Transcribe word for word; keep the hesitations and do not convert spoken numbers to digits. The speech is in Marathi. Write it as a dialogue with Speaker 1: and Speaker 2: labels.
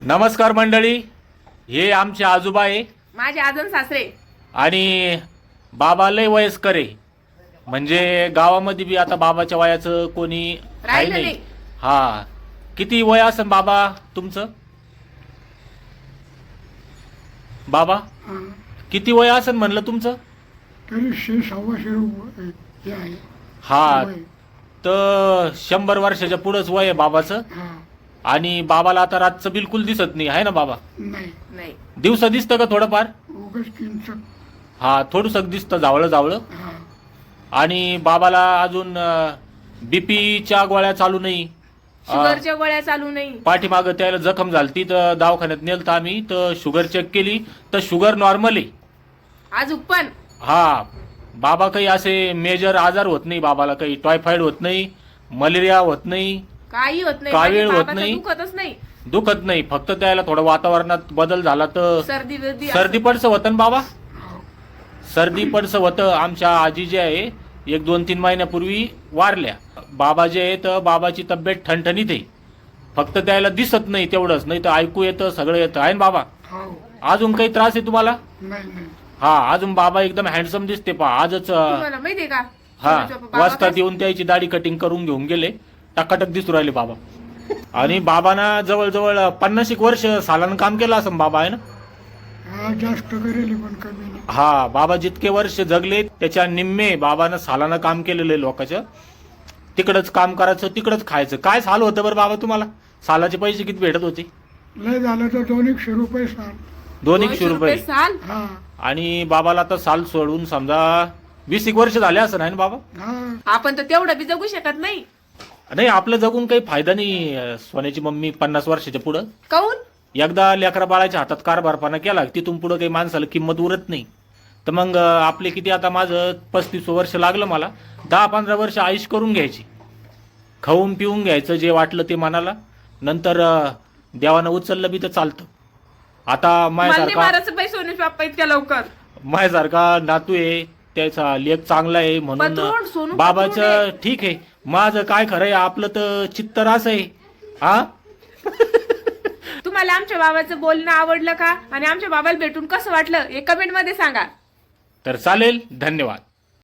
Speaker 1: नमस्कार मंडळी, हे आमचे आजोबा आहे,
Speaker 2: माझे आजन सासरे.
Speaker 1: आणि बाबा लय वयस्कर आहे. म्हणजे गावामध्ये बी आता बाबाच्या वयाचं कोणी आहे
Speaker 2: राहिलं
Speaker 1: नाही.
Speaker 2: नाही.
Speaker 1: हा, किती वय असेल बाबा तुमचं? बाबा
Speaker 3: हा,
Speaker 1: किती वय असेल म्हणलं तुमचं?
Speaker 3: तरी शे सव्वाशे रुपये हे आहे.
Speaker 1: हा,
Speaker 3: वय.
Speaker 1: तर शंभर वर्षाच्या पुढंच वय आहे बाबाचं.
Speaker 3: हा,
Speaker 1: आणि बाबाला आता रातचं बिलकुल दिसत नाही आहे ना बाबा?
Speaker 3: नाही
Speaker 2: नाही,
Speaker 1: दिवसा दिसतं का थोडंफार?
Speaker 3: उगाच किंचक.
Speaker 1: हा, थोडंसं दिसतं जावळं जावळं.
Speaker 3: हा,
Speaker 1: आणि बाबाला अजून बीपीच्या गोळ्या चालू नाही.
Speaker 2: शुगरच्या गोळ्या चालू नाही.
Speaker 1: पाठीमागं त्याला जखम झालती तर दवाखान्यात नेलतं आम्ही, तर शुगर चेक केली तर शुगर नॉर्मल आहे.
Speaker 2: आज पण
Speaker 1: हा, बाबा काही असे मेजर आजार होत नाही. बाबाला काही टायफॉइड होत नाही, मलेरिया होत नाही,
Speaker 2: काही होत नाही.
Speaker 1: कावीळ
Speaker 2: माझ्या
Speaker 1: होत
Speaker 2: बाबाचं
Speaker 1: नाही.
Speaker 2: दुखतच नाही.
Speaker 1: दुखत नाही. फक्त त्याला थोडं वातावरणात बदल झाला तर
Speaker 2: सर्दी बिर्दी
Speaker 1: सर्दी पडसं होतं ना बाबा?
Speaker 3: हो,
Speaker 1: सर्दी पडसं होतं. आमच्या आजी जे आहे एक दोन तीन महिन्यापूर्वी वारल्या. बाबा जे आहे तर बाबाची तब्येत ठणठणीत आहे. फक्त त्याला दिसत नाही तेवढंच, नाही तर ऐकू येतं, सगळं येतं आहे ना बाबा?
Speaker 3: हो,
Speaker 1: अजून काही त्रास आहे तुम्हाला?
Speaker 3: नाही नाही.
Speaker 1: हा, अजून बाबा एकदम हँडसम दिसते पहा. आजच अं,
Speaker 2: तुम्हाला माहितीये का?
Speaker 1: हा,
Speaker 2: तुमच्या बाबा
Speaker 1: वाजतात
Speaker 2: काय-
Speaker 1: येऊन त्याची दाढी कटिंग करून घेऊन गेले. टकाटक दिसू राहिले बाबा. आणि बाबांना जवळजवळ पन्नास एक वर्ष सालानं काम केलं असं बाबा आहे ना?
Speaker 3: हा, जास्त करेल पण कमी नाही.
Speaker 1: हा, बाबा जितके वर्ष जगले त्याच्या निम्मे बाबानं सालानं काम केलेलं आहे लोकांचं. तिकडंच काम करायचं, तिकडंच खायचं. काय साल होतं बरं बाबा तुम्हाला? सालाचे पैसे किती भेटत होते?
Speaker 3: लय झालं तर दोन एकशे रुपये साल.
Speaker 1: दोन एकशे रुपये.
Speaker 2: साल.
Speaker 3: हा,
Speaker 1: आणि बाबाला आता साल सोडून समजा वीस एक वर्ष झाले असं नाही ना बाबा?
Speaker 3: हा,
Speaker 2: आपण तर तेवढं बी जगू शकत नाही.
Speaker 1: नाही, आपलं जगून काही फायदा नाही. अं, सोन्याची मम्मी पन्नास वर्षाच्या पुढं
Speaker 2: काऊन?
Speaker 1: एकदा लेकरा बाळाच्या हातात कारभारपणा केला तिथून पुढं काही माणसाला किंमत उरत नाही. तर मग अं, आपले किती, आता माझं पस्तीस वर्ष लागलं मला. दहा पंधरा वर्ष आयुष करून घ्यायची, खाऊन पिऊन घ्यायचं जे वाटलं ते मनाला. नंतर अं, देवानं उचललं बी तर चालतं. आता
Speaker 2: मला नाही
Speaker 1: माझ्यासारखा
Speaker 2: मारायचं बाई सोनूच बाप्पा इतक्या लवकर.
Speaker 1: माझ्यासारखा नातू आहे, त्याचा लेख चांगला आहे
Speaker 2: पत्रोड,
Speaker 1: म्हणून
Speaker 2: सोनू
Speaker 1: बाबाचं
Speaker 2: पत्रोड आहे.
Speaker 1: ठीक आहे. माझं काय खरं आहे, आपलं तर चित्तर असं आहे. हा,
Speaker 2: तुम्हाला आमच्या बाबाचं बोलणं आवडलं का? आणि आमच्या बाबाला भेटून कसं वाटलं हे कमेंट मध्ये सांगा.
Speaker 1: तर चालेल. धन्यवाद.